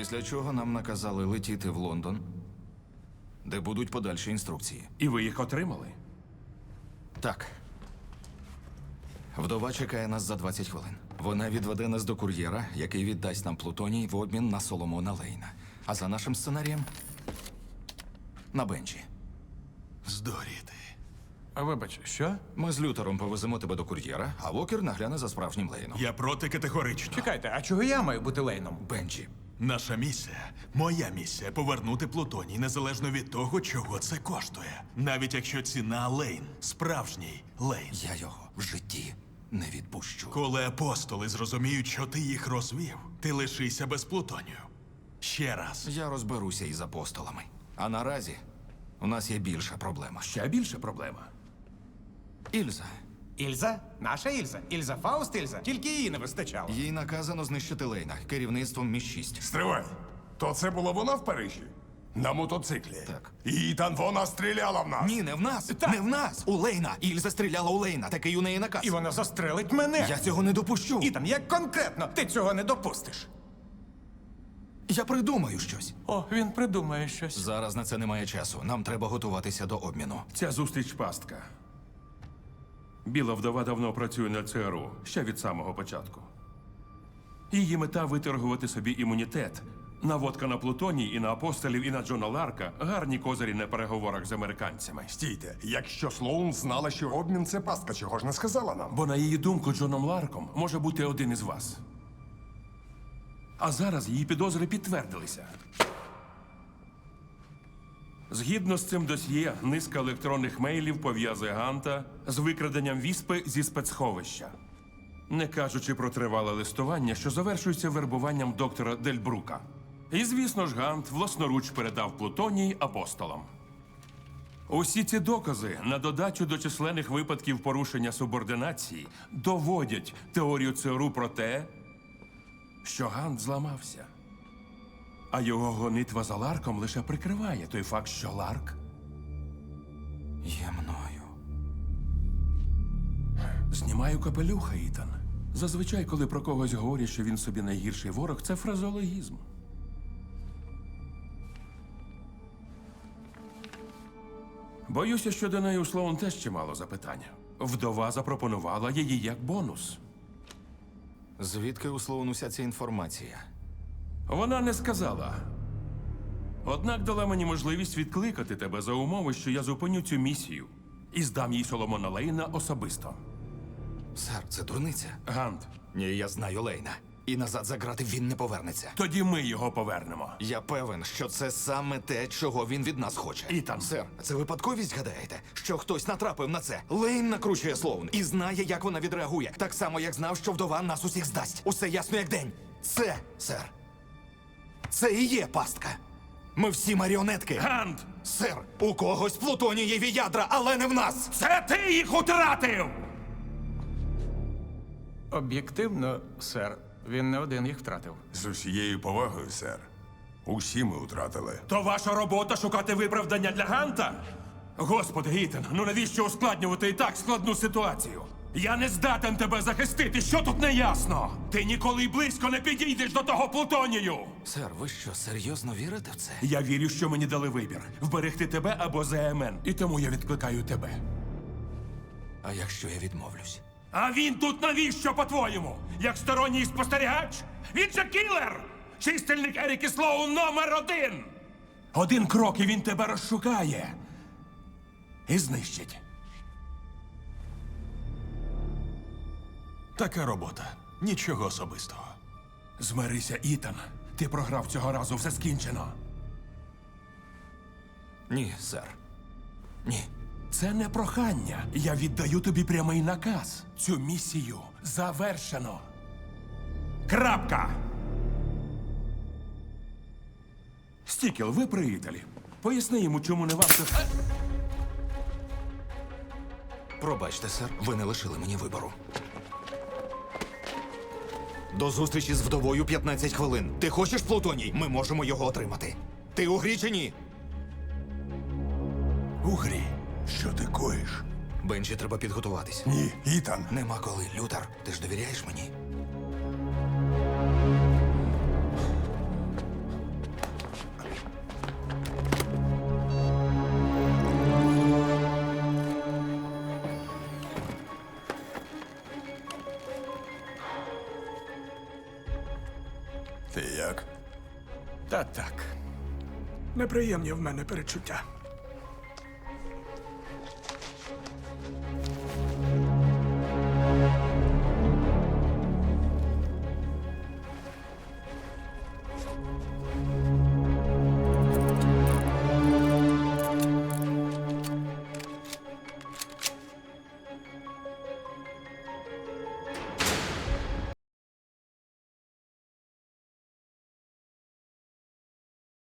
Після чого нам наказали летіти в Лондон, де будуть подальші інструкції. І ви їх отримали? Так. Вдова чекає нас за 20 хвилин. Вона відведе нас до кур'єра, який віддасть нам плутоній в обмін на Соломона Лейна. А за нашим сценарієм – на Бенджі. Здоріти. А вибач, що? Ми з Лютером повеземо тебе до кур'єра, а Вокер нагляне за справжнім Лейном. Я проти категорично. Чекайте, а чого я маю бути Лейном? Бенджі. Наша місія, моя місія – повернути Плутоній, незалежно від того, чого це коштує. Навіть якщо ціна Лейн, справжній Лейн. Я його в житті не відпущу. Коли апостоли зрозуміють, що ти їх розвів, ти лишися без Плутонію. Ще раз. Я розберуся із апостолами. А наразі у нас є більша проблема. Ще більша проблема. Ільза. Ільза? Наша Ільза? Ільза Фауст Ільза? Тільки її не вистачало. Їй наказано знищити Лейна керівництвом Мі-6. Стривай. То це була вона в Парижі? На мотоциклі? Так. Ітан, вона стріляла в нас. Ні, не в нас! Не в нас! У Лейна! Ільза стріляла у Лейна. Такий у неї наказ. І вона застрелить мене. Я цього не допущу. Ітан, як конкретно ти цього не допустиш? Я придумаю щось. О, він придумає щось. Зараз на це немає часу. Нам треба готуватися до обміну. Ця зустріч пастка. Біла вдова давно працює на ЦРУ, ще від самого початку. Її мета – виторгувати собі імунітет. Наводка на Плутоній і на апостолів, і на Джона Ларка – гарні козирі на переговорах з американцями. Стійте, якщо Слоун знала, що обмін це пастка, чого ж не сказала нам? Бо на її думку Джоном Ларком може бути один із вас. А зараз її підозри підтвердилися. Згідно з цим досьє, низка електронних мейлів пов'язує Ганта з викраденням віспи зі спецсховища. Не кажучи про тривале листування, що завершується вербуванням доктора Дельбрука. І, звісно ж, Гант власноруч передав Плутоній апостолам. Усі ці докази, на додачу до численних випадків порушення субординації, доводять теорію ЦРУ про те, що Гант зламався. А його гонитва за Ларком лише прикриває той факт, що Ларк Є мною. знімаю капелюха, Ітан. Зазвичай, коли про когось говорять, що він собі найгірший ворог, це фразеологізм. Боюся, що до неї у Слоун теж чимало запитань. Вдова запропонувала її як бонус. Звідки у Слоун уся ця інформація? Вона не сказала. Однак дала мені можливість відкликати тебе за умови, що я зупиню цю місію і здам їй Соломона Лейна особисто. Сер, це дурниця. Гант, Ні, я знаю Лейна. І назад за грати він не повернеться. тоді ми його повернемо. Я певен, що це саме те, чого він від нас хоче. Ітан. Сер, це випадковість, гадаєте? Що хтось натрапив на це? Лейн накручує Слоун і знає, як вона відреагує. Так само, як знав, що вдова нас усіх здасть. Усе ясно, як день. Це, сер, це і є пастка. Ми всі маріонетки. Гант! Сер, у когось плутонієві ядра, але не в нас. Це ти їх утратив! Об'єктивно, сер, він не один їх втратив. З усією повагою, сер. Усі ми втратили. То ваша робота шукати виправдання для Ганта? Господи, Ітан, ну навіщо ускладнювати і так складну ситуацію? Я не здатен тебе захистити, що тут неясно? Ти ніколи й близько не підійдеш до того Плутонію! Сер, ви що, серйозно вірите в це? Я вірю, що мені дали вибір – вберегти тебе або ЗМН. І тому я відкликаю тебе. А якщо я відмовлюсь? А він тут навіщо, по-твоєму? Як сторонній спостерігач? Він же кілер! Чистильник Еріки Слоун №1! Один крок, і він тебе розшукає. І знищить. Така робота. Нічого особистого. Змирися, Ітан. Ти програв цього разу, все скінчено. Ні, сер. Ні. Це не прохання. Я віддаю тобі прямий наказ. Цю місію завершено. Крапка! Стікел, ви приятелі. Поясни йому, чому не варто... Пробачте, сер, ви не лишили мені вибору. До зустрічі з вдовою 15 хвилин. Ти хочеш Плутоній? Ми можемо його отримати. Ти у грі чи ні? У грі. Що ти коїш? Бенджі, треба підготуватись. Ні, Ітан. Нема коли, Лютер. Ти ж довіряєш мені? Ти як? Та так. Неприємні в мене перечуття.